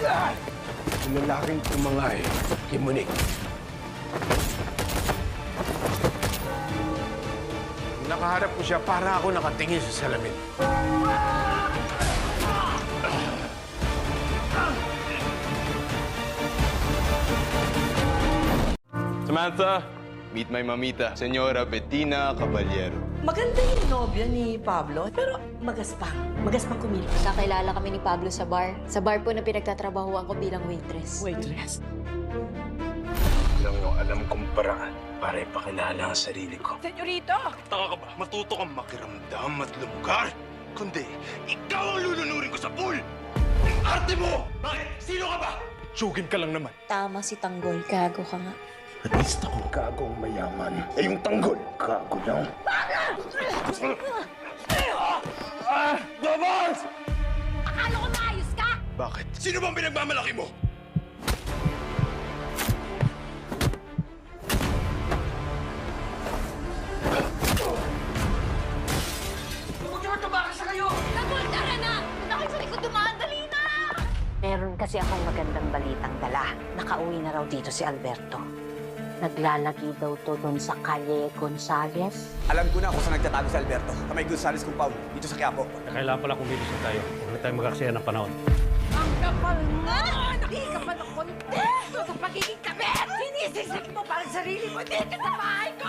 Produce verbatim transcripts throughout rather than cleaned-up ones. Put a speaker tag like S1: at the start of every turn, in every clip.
S1: Yung lalaking tumangay kay Monique. Nakaharap ko siya para ako nakatingin sa salamin.
S2: Samantha, meet my mamita, Señora Bettina Caballero.
S3: Maganda yung nobya ni Pablo, pero magaspang. Magaspang kumilos.
S4: Kakilala kami ni Pablo sa bar. Sa bar po na pinagtatrabahuan ko bilang waitress.
S3: Waitress.
S1: Lang yung alam kong paraan para ipakilala ang sarili ko.
S3: Senyorito!
S2: Taka ka ba? Matuto kang makiramdam at lumugar. Kundi, ikaw ang lulunurin ko sa pool! Ang arte mo! Bakit? Sino ka ba? Sugin ka lang naman.
S4: Tama si Tanggol. Gago ka nga.
S1: At least akong gagong mayaman. Eh, yung tanggol, gago lang. Ah! Babas!
S5: Akala ko maayos ka?
S2: Bakit? Sino bang pinagmamalaki mo?
S5: Nagultara na! Nakit sa likod dumaan, dali na!
S6: Meron kasi akong magandang balitang dala. Nakauwi na raw dito si Alberto. Naglalagi daw to doon sa Calle Gonzales.
S7: Alam ko na kung saan nagtatago si Alberto. Sa may Gonzales compound, dito sa Quiapo.
S8: Kailangan pala kumilos na tayo. Huwag na tayo mag-aksaya ng panahon.
S5: Ang kapal nga! Hindi ka pa ng kontento sa pagiging kabit! Sinisisik mo pa ang sarili mo dito sa bahay ko!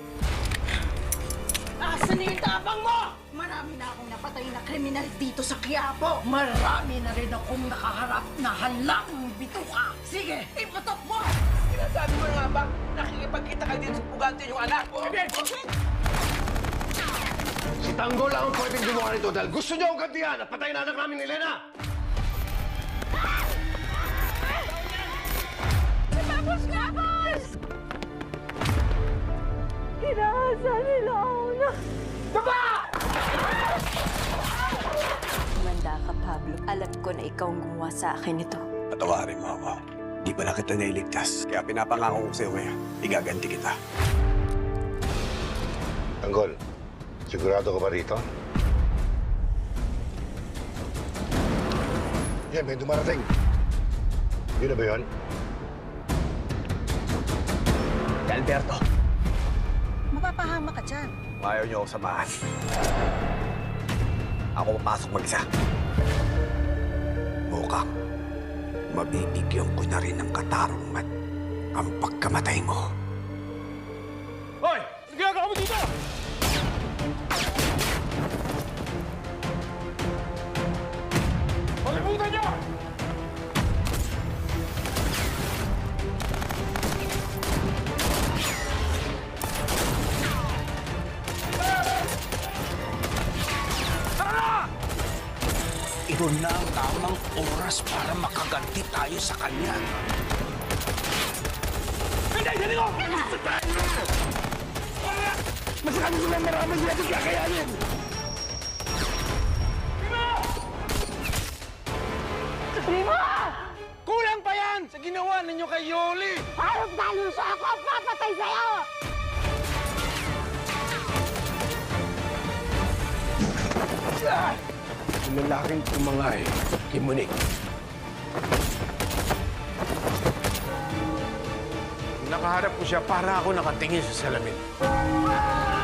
S5: Asan na yung tabang mo? Marami na akong napatay na kriminal dito sa Quiapo. Marami na rin akong nakaharap na halang bituka. Sige, iputok mo!
S3: Sinasabi mo na nga ba, nakikipagkita ka din sa pugante yung anak?
S1: Si Tanggol lang ang pwedeng gumawa nito dahil gusto niya akong gantihan at patayin na anak namin ni Elena.
S5: Tapos nga, boss! Inaasa nila ako na...
S4: Kumanda ka, Pablo. Alam ko na ikaw ang gumawa sa akin ito.
S7: Patawarin mo ako. Di pala kita nailigtas. Kaya pinapangako ko sa'yo ngayon, igaganti kita.
S1: Tanggol, sigurado ka ba rito? Yan, may dumarating. Yun na ba yun?
S7: Si Alberto,
S6: Mapapahama ka dyan.
S7: kung ayaw niyo ako samahan. Ako papasok mag-isa. Mukhang mabibigyan ko na rin ng katarungan ang pagkamatay mo.
S8: Hoy! Ano ginagawa mo dito? Palibutan niyo!
S7: Ito na ang tamang oras para makaganti tayo sa kanya.
S8: Hindi! Hindi ko!
S1: Masakami sila marami sila ito kakayanin!
S2: Kulang pa yan sa ginawa ninyo kay Yoli!
S5: Harap na luso ako ang papatay sa'yo!
S1: Yung lalaking tumangay kay Monique.
S9: Nakaharap ko siya para ako nakatingin sa salamin.